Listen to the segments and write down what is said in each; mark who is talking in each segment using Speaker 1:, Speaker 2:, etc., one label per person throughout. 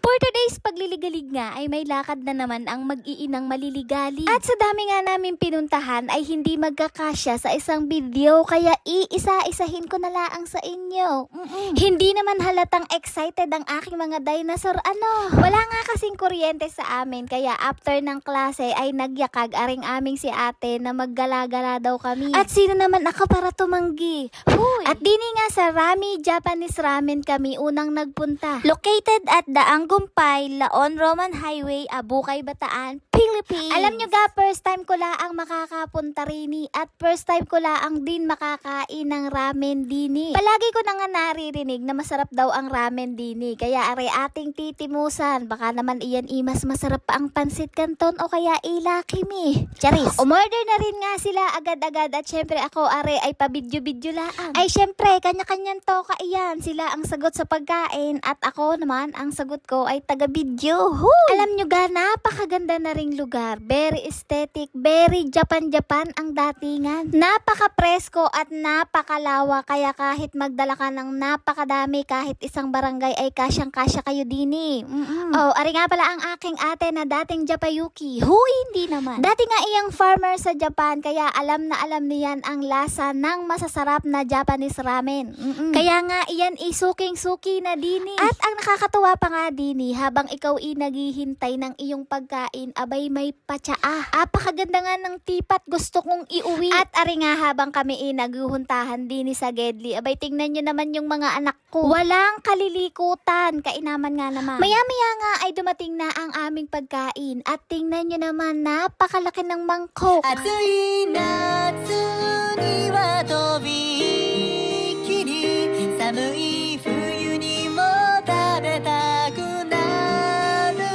Speaker 1: For today's pagliligalig nga ay may lakad na naman ang mag-iinang maliligali. At sa dami nga namin pinuntahan ay hindi magkakasya sa isang video kaya iisa-isahin ko na laang sa inyo. Hindi naman halatang excited ang aking mga dinosaur Wala nga kasing kuryente sa amin kaya after ng klase ay nagyakag aring aming si ate na maggala-gala daw kami. At sino naman ako para tumanggi? Huy! At dini nga sa Rami Japanese Ramen kami unang nagpunta. Located at Daang Gumpay, Laon Roman Highway, Abukay, Bataan, Philippines. Alam nyo ga, first time ko laang makakapunta rini at first time ko laang din makakain ng ramen dini. Palagi ko na nga naririnig na masarap daw ang ramen dini. Kaya are ating titimusan. Baka naman iyan mas masarap pa ang pansit canton o kaya ilakimi. Charis. Umorder na rin nga sila agad-agad at syempre ako are ay pabidyo-bidyo laang. Ay syempre, kanya-kanyang toka iyan. Sila ang sagot sa pagkain at ako naman ang sagot ko ay taga-video. Alam nyo ga, napakaganda na ring lugar. Very aesthetic, very Japan-Japan ang datingan. Napaka-presko at napakalawa kaya kahit magdala ka ng napakadami kahit isang barangay ay kasyang-kasya kayo dini. Oh, ari nga pala ang aking ate na dating Japayuki. Hindi naman. Dati nga iyang farmer sa Japan kaya alam na alam niyan ang lasa ng masasarap na Japanese ramen. Kaya nga iyan isuking-suki na dini. At ang nakakatuwa pa nga dini, habang ikaw naghihintay ng iyong pagkain, abay may patsaa. Apakaganda nga ng tipat, gusto kong iuwi. At ari nga habang kami naguhuntahan dini sa Gedli, abay tingnan nyo naman yung mga anak ko. Walang kalilikutan, kainaman nga naman. Maya-maya nga ay dumating na ang aming pagkain at tingnan nyo naman, napakalaki ng mangkok.
Speaker 2: 暑い夏にはとびきり寒い冬にも食べたくなる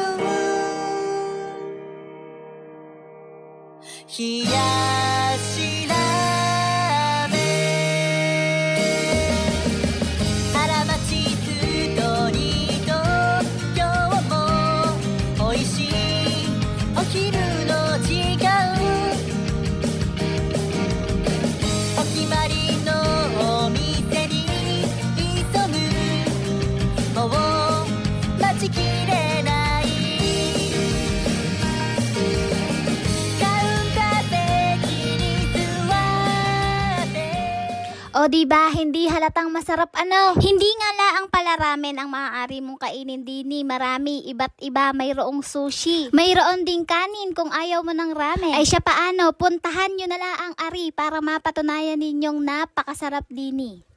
Speaker 2: 冷やしラーメン荒町ストリート今日も美味しいお昼の時間お決まりのお店に急ぐもう待ちきれないカウンター席に座って
Speaker 1: O diba, hindi halatang masarap Hindi nga laang pala ramen ang maaari mong kainin dini. Marami, iba't iba. Mayroong sushi. Mayroon ding kanin kung ayaw mo ng ramen. Ay siya paano, puntahan nyo na laang ari para mapatunayan ninyong napakasarap dini.